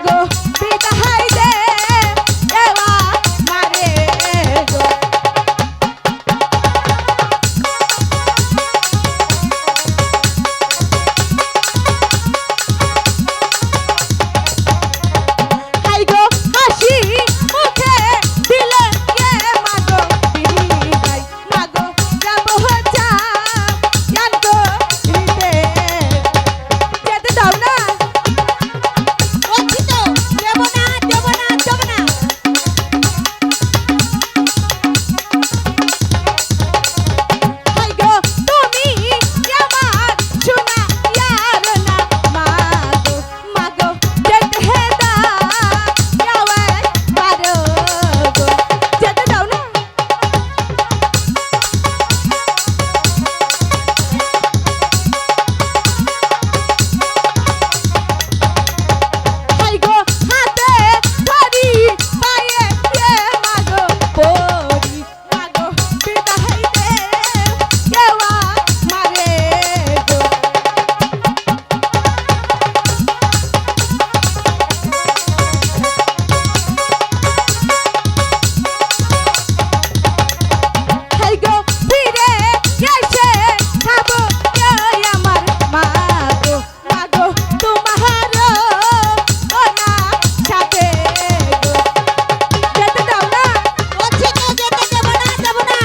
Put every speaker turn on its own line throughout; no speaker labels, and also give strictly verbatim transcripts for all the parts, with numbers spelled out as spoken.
মাগো বিদায় দে দেওয়া মারে গো হাই গো হাসি মুখে দিলে কে মাগো বিদায় মাগো যাবো যা জান গো হৃদে যেতে দাও না
বলছি তো দেব না দেব না দেব না।
হাই গো তুমি আমার সোনা ইয়ার না মাগো মাগো যেতে দাও যাওয়া পারো গো যেতে দাও না হাই গো হাতে ধরি পায়ে দিয়ে মাগো পড়ি মাগো বিদায় দে দেওয়া মারে গো হাই গো ফিরে এসে খাবো এই আমার মাগো মাগো তোমার ওনা সাথে গো যেতে দাও না
বলছি তো যেতে দেব না দেব না।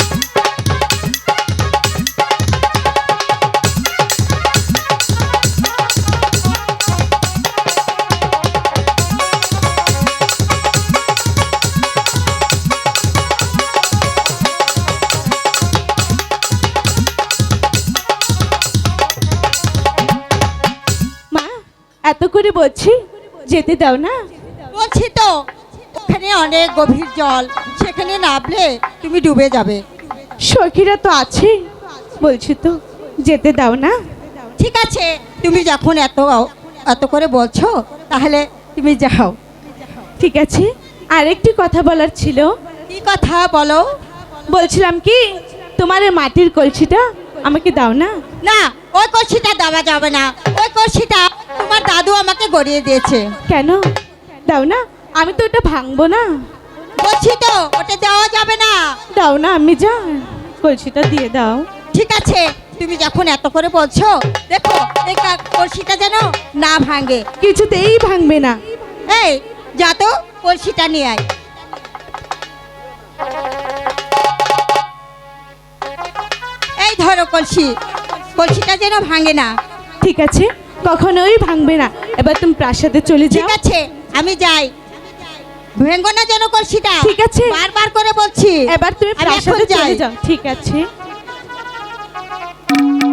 মা এত করে বলছি যেতে দাও না
বলছি তো ওখানে অনেক গভীর জল, সেখানে নামলে তুমি ডুবে যাবে।
সখীরা তো আছে বলছি তো যেতে দাও না
ঠিক আছে, তুমি যখন এত এত করে বলছো তাহলে তুমি যাও।
ঠিক আছে আরেকটি কথা বলার ছিল
কি কথা বলো?
বলছিলাম কি তোমার এই মাটির কলসিটা আমাকে দাও না
না, ওই কলসিটা দেওয়া যাবে না। ওই কলসিটা তোমার দাদু আমাকে গড়িয়ে দিয়েছে।
কেন দাও না আমি তো ওটা ভাঙবো না
বলছি তো ওটা দেওয়া যাবে না।
দাও না আমি যা কলসিটা দিয়ে দাও
ঠিক আছে, তুমি যখন এত করে বলছো, দেখো এই কা- কলসিটা যেন না ভাঙে।
কিছুতেই ভাঙবে না
এই যা তো কলসিটা নিয়ে আয়। এই ধরো কলসি, কলসিটা যেন ভাঙে না।
ঠিক আছে কখনোই ভাঙবে না এবার তুমি প্রাসাদে চলে
ঠিক
যাও
আছে, আমি যাই। ভেঙ্গো না যেন কলসিটা।
ঠিক আছে।
বারবার করে বলছি।
এবার তুমি
আমি এখন
প্রাসাদে চলে
যাই।
যাও ঠিক আছে